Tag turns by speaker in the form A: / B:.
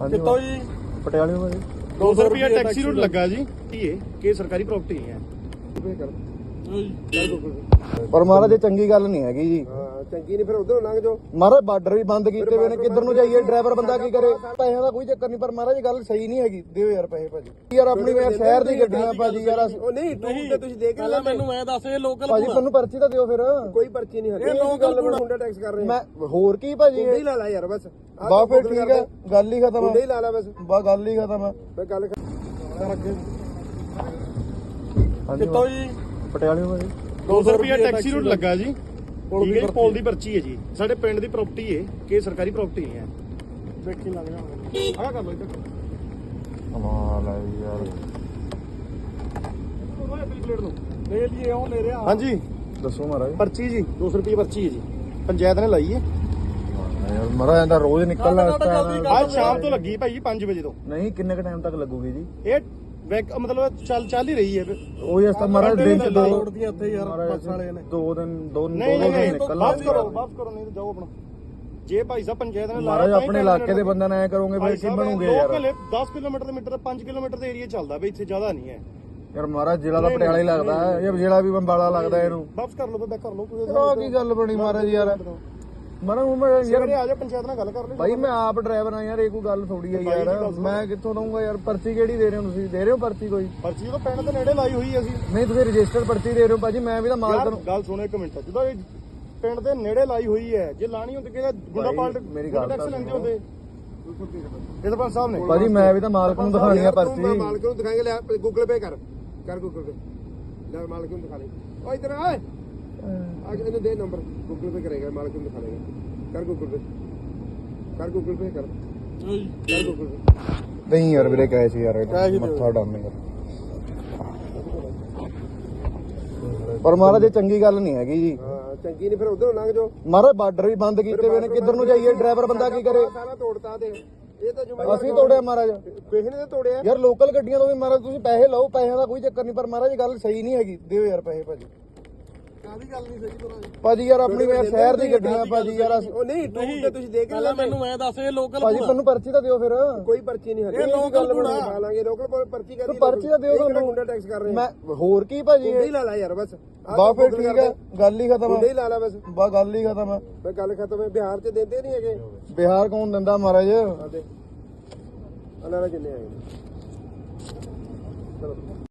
A: ਕਿੱਥੋਂ ਜੀ?
B: ਪਟਿਆਲੇ ਤੋਂ ਜੀ।
A: 200 ਰੁਪਏ ਟੈਕਸੀ ਰੂਟ ਲੱਗਾ ਜੀ। ਇਹ ਸਰਕਾਰੀ ਪ੍ਰਾਪਰਟੀ ਹੈ।
B: ਪਰ ਮਹਾਰਾਜ ਇਹ ਚੰਗੀ ਗੱਲ ਨਹੀਂ ਹੈਗੀ ਜੀ।
C: ਚੰਗੀ ਨਹੀਂ ਫਿਰ ਉਧਰੋਂ ਲੰਘ ਜਾਓ।
B: ਮਹਾਰਾਜ ਬਾਰਡਰ ਵੀ ਬੰਦ ਕੀਤੇ ਹੋਏ ਨੇ, ਕਿੱਧਰ ਨੂੰ ਜਾਈਏ? ਡਰਾਈਵਰ ਬੰਦਾ ਕੀ ਕਰੇ? ਪੈਸਿਆਂ ਦਾ ਕੋਈ ਚੱਕਰ ਨਹੀਂ, ਪਰ ਮਹਾਰਾਜ ਇਹ ਗੱਲ ਸਹੀ ਨਹੀਂ ਹੈਗੀ। ਦਿਓ ਯਾਰ ਪੈਸੇ ਭਾਜੀ। ਯਾਰ ਆਪਣੀ ਸ਼ਹਿਰ ਦੀ ਗੱਡੀਆਂ ਭਾਜੀ ਯਾਰ।
C: ਉਹ ਨਹੀਂ ਟੂਰ ਤੇ ਤੁਸੀਂ ਦੇਖ
A: ਪਹਿਲਾਂ ਮੈਨੂੰ ਐ ਦੱਸ ਇਹ ਲੋਕਲ
B: ਭਾਜੀ ਮੈਨੂੰ ਪਰਚੀ ਤਾਂ ਦਿਓ ਫਿਰ।
C: ਕੋਈ ਪਰਚੀ ਨਹੀਂ ਹੱਲੇ।
A: ਇਹ ਲੋਕਲ
C: ਮੁੰਡਾ ਟੈਕਸ ਕਰ ਰਹੇ
B: ਮੈਂ ਹੋਰ ਕੀ ਭਾਜੀ?
C: ਮੁੰਡੇ ਹੀ ਲਾ ਲਾ ਯਾਰ ਬਸ।
B: ਬਾ ਫਿਰ ਠੀਕ ਹੈ, ਗੱਲ ਹੀ ਖਤਮ
C: ਮੁੰਡੇ ਹੀ
B: ਹੈ।
C: ਲਾ ਲਾ ਬਸ।
B: ਬਾ ਗੱਲ ਹੀ ਖਤਮ ਹੈ।
C: ਮੈਂ ਗੱਲ
A: ਕਿੱਥੋਂ ਜੀ?
B: ਪਟਿਆਲੇ ਤੋਂ ਜੀ।
A: 200 ਰੁਪਏ ਟੈਕਸੀ ਰੂਟ ਲੱਗਾ ਜੀ। ਠੀਕ ਹੈ, ਪੋਲ ਦੀ ਪਰਚੀ ਹੈ ਜੀ। ਸਾਡੇ ਪਿੰਡ ਦੀ ਪ੍ਰਾਪਰਟੀ ਹੈ ਕਿ ਸਰਕਾਰੀ ਪ੍ਰਾਪਰਟੀ ਹੈ। ਦੇਖੀ ਲੱਗ ਜਾਵਾਂਗੇ। ਆਹ ਕਰ ਲਓ ਇੱਧਰ।
B: ਕਮਾਲ ਹੈ ਯਾਰ।
A: ਪਲੇਟ ਨੂੰ ਲੈ ਲਈਏ, ਉਹ ਲੈ ਰਿਹਾ। ਹਾਂਜੀ
B: ਦੱਸੋ ਮਹਾਰਾਜ।
A: ਪਰਚੀ ਜੀ 200 ਰੁਪਏ ਪਰਚੀ ਹੈ ਜੀ। ਪੰਚਾਇਤ ਨੇ ਲਾਈ ਹੈ।
B: ਯਾਰ ਮਹਾਰਾਜ ਇਹਦਾ ਰੋਜ਼ ਨਿਕਲਣਾ ਇਸ ਟਾਈਮ।
A: ਅੱਜ ਸ਼ਾਮ ਤੋਂ ਲੱਗੀ ਭਾਈ 5 ਵਜੇ ਤੋਂ।
B: ਨਹੀਂ ਕਿੰਨੇ ਕ ਟਾਈਮ ਤੱਕ ਲੱਗੂਗੀ ਜੀ?
A: ਇਹ ਮਤਲਬ ਚੱਲ ਹੀ ਰਹੀ ਹੈ।
B: ਉਹ ਇਸ ਤਾਂ ਮਹਾਰਾਜ ਦਿਨ ਚ ਦੋ
A: ਦੀਆਂ ਉੱਥੇ ਯਾਰ ਬੱਸ ਵਾਲੇ ਨੇ।
B: ਦੋ ਦਿਨ
A: ਨਹੀਂ
B: ਨਿਕਲਣਾ।
A: ਵਾਪਸ ਕਰੋ ਨਹੀਂ ਤਾਂ ਜਾਓ ਆਪਣਾ। ਜੇ ਭਾਈ ਸਾਹਿਬ ਪੰਚਾਇਤ ਨੇ
B: ਮਹਾਰਾਜ ਆਪਣੇ ਇਲਾਕੇ ਦੇ ਬੰਦਿਆਂ ਨਾਲ ਐ ਕਰੋਗੇ ਫਿਰ ਕੀ ਬਣੂਗੇ ਯਾਰ?
A: 10 ਕਿਲੋਮੀਟਰ ਦੇ ਮੀਟਰ 5 ਕਿਲੋਮੀਟਰ ਦੇ ਏਰੀਆ ਚੱਲਦਾ ਬਈ, ਇੱਥੇ ਜ਼ਿਆਦਾ ਨਹੀਂ ਹੈ
B: ਯਾਰ। ਮਹਾਰਾਜ ਜ਼ਿਲ੍ਹਾ ਦਾ ਪਟਿਆਲਾ ਹੀ ਲੱਗਦਾ ਹੈ, ਇਹ ਜ਼ਿਲ੍ਹਾ ਵੀ ਬੰਬਾਲਾ ਲੱਗਦਾ ਇਹਨੂੰ।
A: ਵਾਪਸ ਕਰ ਲਓ ਤਾਂ ਕਰ ਲਓ ਕੋਈ।
B: ਆਹ ਕੀ ਗੱਲ ਬਣੀ ਮਹਾਰਾਜ ਯਾਰ? ਮਹਾਰਾਜ ਯਾਰ
A: ਆ ਜਾ ਪੰਚਾਇਤ ਨਾਲ ਗੱਲ ਕਰ ਲਈ।
B: ਭਾਈ ਮੈਂ ਆਪ ਡਰਾਈਵਰ ਆ ਯਾਰ, ਇਹ ਕੋਈ ਗੱਲ ਥੋੜੀ ਆ ਯਾਰ। ਮੈਂ ਕਿੱਥੋਂ ਦਊਂਗਾ ਯਾਰ? ਪਰਚੀ ਕਿਹੜੀ ਦੇ ਰਹੇ ਹੋ ਤੁਸੀਂ? ਦੇ ਰਹੇ ਹੋ ਪਰਚੀ ਕੋਈ?
A: ਪਰਚੀ ਤਾਂ ਪਿੰਡ ਦੇ ਨੇੜੇ ਲਾਈ ਹੋਈ ਅਸੀਂ।
B: ਨਹੀਂ ਤੁਸੀਂ ਰਜਿਸਟਰਡ ਪਰਚੀ ਦੇ ਰਹੇ ਹੋ ਭਾਜੀ। ਮੈਂ ਵੀ ਤਾਂ ਮਾਲਕ ਨੂੰ
A: ਗੱਲ ਸੁਣੋ ਇੱਕ ਮਿੰਟ। ਜਦੋਂ ਇਹ ਪਿੰਡ ਦੇ ਨੇੜੇ ਲਾਈ ਹੋਈ ਹੈ, ਜੇ ਲਾਣੀ ਹੁੰਦੀ ਕਿ ਗੁੰਡਾ ਪਾਲਟ
B: ਮੇਰੀ ਗੱਲ
A: ਟੈਕਸ ਲੈਂਦੇ ਹੁੰਦੇ ਇਹ ਸਰਪੰਚ ਸਾਹਿਬ ਨੇ।
B: ਭਾਜੀ ਮੈਂ ਵੀ ਤਾਂ ਮਾਲਕ ਨੂੰ ਦਿਖਾਣੀ ਆ ਪਰਚੀ।
C: ਮਾਲਕ ਨੂੰ ਦਿਖਾਏਗਾ। ਲੈ ਗੂਗਲ ਪੇ ਕਰ ਗੂਗਲ ਪੇ। ਲੈ ਮਾਲਕ ਨੂੰ ਦਿਖਾ ਲੈ। ਓ ਇਧਰ ਆ ਇਹਨੂੰ ਦੇ ਨੰਬਰ। ਗੂਗਲ ਪੇ ਕਰੇਗਾ, ਮਾਲਕ ਨੂੰ ਦਿਖਾ ਦੇਗਾ। ਕਰ ਗੂਗਲ ਪੇ ਕਰ ਗੂਗਲ ਪੇ ਕਰ ਗੂਗਲ ਪੇ।
B: ਨਹੀਂ ਯਾਰ ਵੀਰੇ ਕਹੇ ਸੀ ਯਾਰ, ਮੱਥਾ ਡਾਮੇਗਾ। ਪਰ ਮਹਾਰਾਜ ਇਹ ਚੰਗੀ ਗੱਲ ਨਹੀਂ ਹੈਗੀ ਜੀ।
C: ਚੰਗੀ ਨਹੀਂ ਫਿਰ ਉਧਰੋਂ ਲੰਘ ਜਾਓ।
B: ਮਹਾਰਾਜ ਬਾਰਡਰ ਵੀ ਬੰਦ ਕੀਤੇ ਹੋਏ ਨੇ, ਕਿੱਧਰ ਨੂੰ ਜਾਈਏ? ਡਰਾਈਵਰ ਬੰਦਾ ਕੀ ਕਰੇ?
C: ਸਾਰਾ ਤੋੜਤਾ ਦੇ। ਇਹ ਤਾਂ ਜ਼ਿੰਮੇਵਾਰ
B: ਅਸੀਂ ਤੋੜਿਆ ਮਹਾਰਾਜ?
C: ਕਿਸੇ ਨੇ ਤਾਂ ਤੋੜਿਆ
B: ਯਾਰ। ਲੋਕਲ ਗੱਡੀਆਂ ਤੋਂ ਵੀ ਮਹਾਰਾਜ ਤੁਸੀਂ ਪੈਸੇ ਲਓ, ਪੈਸਿਆਂ ਦਾ ਕੋਈ ਚੱਕਰ ਨਹੀਂ, ਪਰ ਮਹਾਰਾਜ ਇਹ ਗੱਲ ਸਹੀ ਨਹੀਂ ਹੈਗੀ। ਦਿਓ ਯਾਰ ਪੈਸੇ ਭਾਜੀ।
A: ਕਾਹਦੀ ਗੱਲ ਨਹੀਂ ਸਹੀ ਤਰ੍ਹਾਂ
B: ਭਾਜੀ ਯਾਰ ਆਪਣੀ ਸ਼ਹਿਰ ਦੀ ਗੱਡੀਆਂ ਭਾਜੀ ਯਾਰ।
C: ਉਹ ਨਹੀਂ ਟੂਰ ਤੇ ਤੁਸੀਂ ਦੇਖ
A: ਪਹਿਲਾਂ ਮੈਨੂੰ ਐ ਦੱਸ ਇਹ ਲੋਕਲ
B: ਭਾਜੀ ਮੈਨੂੰ ਪਰਚੀ ਤਾਂ ਦਿਓ ਫਿਰ।
C: ਕੋਈ ਪਰਚੀ ਨਹੀਂ ਹੱਲੇ।
A: ਇਹ ਲੋਕਲ
C: ਬਣਾ ਲਾਂਗੇ। ਲੋਕਲ ਪਰਚੀ ਕਰ।
B: ਪਰਚੀ ਤਾਂ ਦਿਓ ਤੁਹਾਨੂੰ।
C: ਮੁੰਡਾ ਟੈਕਸ ਕਰ ਰਹੇ
B: ਮੈਂ ਹੋਰ ਕੀ ਭਾਜੀ?
C: ਮੁੰਡੇ ਹੀ ਲਾ ਲਾ ਯਾਰ ਬਸ।
B: ਬਾ ਫਿਰ ਠੀਕ ਹੈ, ਗੱਲ ਹੀ ਖਤਮ
C: ਮੁੰਡੇ
B: ਹੈ।
C: ਹੀ ਲਾ ਲਾ ਬਸ।
B: ਬਾ ਗੱਲ ਹੀ ਖਤਮ ਹੈ।
C: ਮੈਂ ਗੱਲ ਖਤਮ ਹੈ। ਬਿਹਾਰ ਚ ਦਿੰਦੇ ਨਹੀਂ ਹੈਗੇ।
B: ਬਿਹਾਰ ਕੌਣ ਦਿੰਦਾ ਮਹਾਰਾਜ?
C: ਆਦੇ ਅਨਾਰਾ ਕਿੰਨੇ ਆਏ ਨੇ। ਚਲੋ